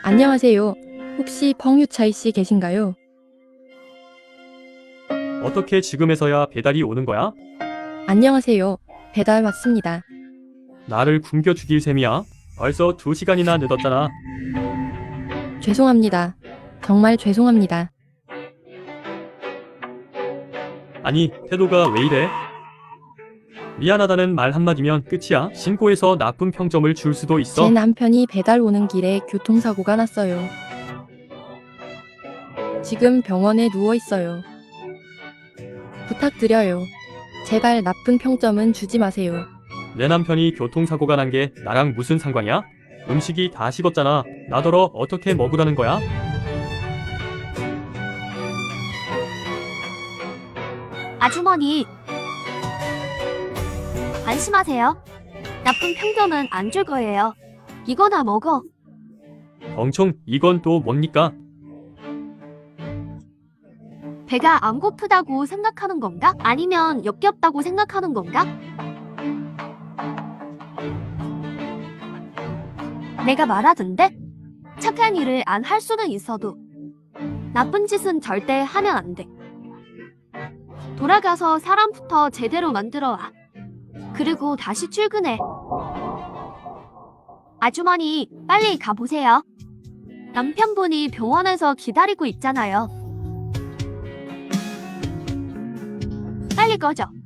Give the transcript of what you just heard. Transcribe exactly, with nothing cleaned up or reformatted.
안녕하세요. 혹시 펑유차이 씨 계신가요? 어떻게 지금에서야 배달이 오는 거야? 안녕하세요. 배달 왔습니다. 나를 굶겨 죽일 셈이야? 벌써 두 시간이나 늦었잖아. 죄송합니다. 정말 죄송합니다. 아니, 태도가 왜 이래? 미안하다는 말 한마디면 끝이야. 신고해서 나쁜 평점을 줄 수도 있어. 제 남편이 배달 오는 길에 교통사고가 났어요. 지금 병원에 누워 있어요. 부탁드려요. 제발 나쁜 평점은 주지 마세요. 내 남편이 교통사고가 난 게 나랑 무슨 상관이야? 음식이 다 식었잖아. 나더러 어떻게 먹으라는 거야? 아주머니, 안심하세요. 나쁜 평점은 안 줄 거예요. 이거나 먹어. 멍청, 이건 또 뭡니까? 배가 안 고프다고 생각하는 건가? 아니면 역겹다고 생각하는 건가? 내가 말하던데? 착한 일을 안 할 수는 있어도 나쁜 짓은 절대 하면 안 돼. 돌아가서 사람부터 제대로 만들어 와. 그리고 다시 출근해. 아주머니, 빨리 가보세요. 남편분이 병원에서 기다리고 있잖아요. 빨리 꺼져.